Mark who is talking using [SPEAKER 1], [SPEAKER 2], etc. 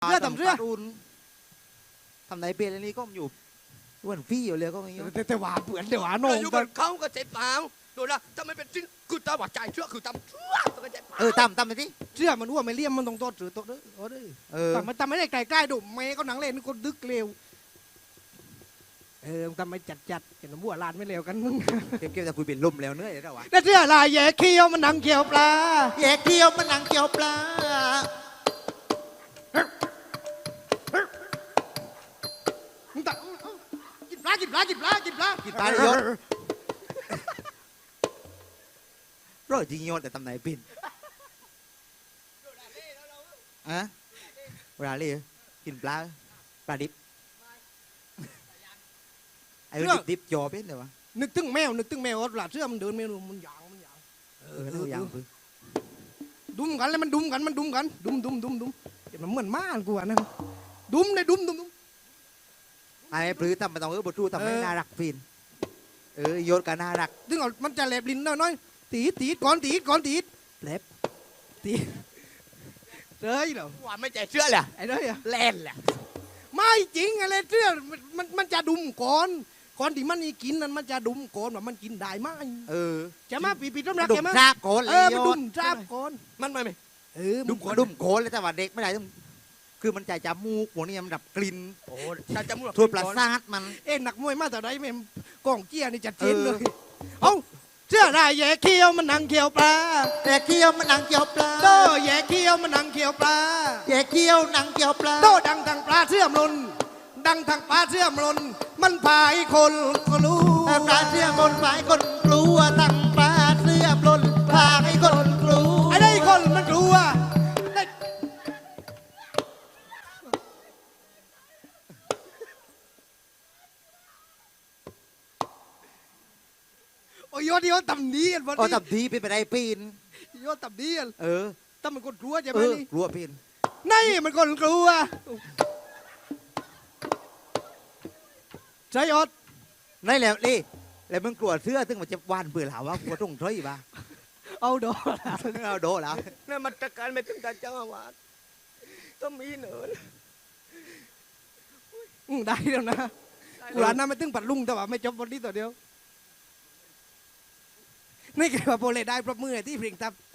[SPEAKER 1] เสื้อทำเสื้อ
[SPEAKER 2] รุนทำไหนเปลี่ยนอันนี้ก็อยู่อ้วนฟี่อยู่เลยก็อย่างเงี้ย
[SPEAKER 1] แต่หวาเปื่อนแต่หวาโหน่ง
[SPEAKER 3] อยู่บนเขาก็เจ็บเปล่าดูนะถ้าไม่เป็นจริงคือตาหวาใจเชื่อคือตำเชื่อก็เจ็บ
[SPEAKER 2] ตั้มไปที่
[SPEAKER 1] เสื้อมันอ้วนไม่เลี่ยมมันต้องโตหรือโตเด้อโอ้เด้อแต่ไม่ได้ไกลๆดูเมย์ก็หนังเล่นคนดึกเร็วทำไมจัดเห็นบัวลานไม่เร็วกันมึง
[SPEAKER 2] เก็บจะคุยเป็นลมแล้วเนื้อยแล้ววะ
[SPEAKER 1] แต่เสื้อลายแย่เคี้ยวมันหนังเคี้ยวปลา
[SPEAKER 2] แยกเที่ยวมันนังเกี่ยวปลา
[SPEAKER 1] มึงตะกินปลากินปลากินปลากินปลา
[SPEAKER 2] กินปลาเลยยศร้อยจริงยศแต่ทำไหนปิ่นอะเวลาเลยกินปลาดิบไอ้ดิบจอเป็นเลยวะ
[SPEAKER 1] นึกถึงแมวว่าปลาเสื้อมันเดินเมนูมันหยาง
[SPEAKER 2] แล้วยังพึ่ง
[SPEAKER 1] ดุมกันแล้วมันดุมกันดุมเห็นมันเหมือนม่านกูอ่ะนะดุมเลยดุม
[SPEAKER 2] ไอ้ปลื้มทำมาต้องบทรูทำให้น่ารักปิ่นยศก็น่ารัก
[SPEAKER 1] ถึงมันจะแหลบลิ้นน้อยตีดก่อนแหลบตีเฮ้ยเหรอ
[SPEAKER 3] ว่าไม่ใจเชื่อแหละ
[SPEAKER 1] ไอ้เด้ย
[SPEAKER 3] แล่นแหละ
[SPEAKER 1] ไม่จริงอะไรเสื้อมันจะดุมก่อนที่มันนี่กินนั้นมันจะดุมก่อนว่ามันกินได้ไหมจะมาปีต้นรัก
[SPEAKER 2] ดุ
[SPEAKER 1] จะ
[SPEAKER 2] ม
[SPEAKER 1] มา
[SPEAKER 2] ซากโกนเลย
[SPEAKER 1] มัน
[SPEAKER 2] ย
[SPEAKER 1] ดุ
[SPEAKER 2] ศ
[SPEAKER 1] มจ้าบก่อน
[SPEAKER 3] มันไม่
[SPEAKER 2] ดุมโกนเลยแต่ว่าเด็กไม่ได้ต้องคือมันใจจมูกพวกนี้มันดับกลิ่น
[SPEAKER 3] โอ้ถ้าจะมุ่ง
[SPEAKER 2] ทั่วประสาทมัน
[SPEAKER 1] หนักมวยมาแต่ไหนแม่กองเกี้ยนี่จัดเจนเลยเอาเสื้อลายแย่เคี้ยวมันหนังเคี้ยวปลา
[SPEAKER 2] แต่เคี้ยวมันนังเกี่ยวปลา
[SPEAKER 1] โตแย่เคี้ยวมันหนังเคี้ยวปลา
[SPEAKER 2] แย่เคี้ยวนังเกี่ยวปลา
[SPEAKER 1] โตดังทางปลาเสื่อมลนดังทางปลาเสื่อมลนมันพายคนก็รู้
[SPEAKER 2] ปลาเสื้อบนฝ่ายคนกลัวตั้งปลาเสื้อบนพาให้คนกลัว
[SPEAKER 1] ไอ้ได้คนมันกลัวโอ้ยยอดต่ำดีกันวัน
[SPEAKER 2] อ๋อ
[SPEAKER 1] นี้
[SPEAKER 2] ตับดีเป็นไปได้ปีน
[SPEAKER 1] ยอดต่ำดีกัน
[SPEAKER 2] เออ
[SPEAKER 1] แต่มันคนกลัวใช่ไหมนี่
[SPEAKER 2] กลัวปีน
[SPEAKER 1] นี่มันคนกลัวใช่ยอด
[SPEAKER 2] นั่นแหละนี่แล้วมึงกลัวเสื้อซึ่งมันจะวานเบื่อหาว่ากลัวตรงเท้ยป่ะ
[SPEAKER 1] เอาดอ
[SPEAKER 2] เอาโดแล้ว
[SPEAKER 3] นั่นมันตะการไม่ถึงตาเจ้าอาวาสต้องมีเหนือ
[SPEAKER 1] ได้แล้วนะกูร้านนั้นไม่ตึงปัดลุงแต่ว่าไม่จบวันนี้ตัวเดียวนี่คือว่าโปรเลได้ปรบมือที่เพลงทับ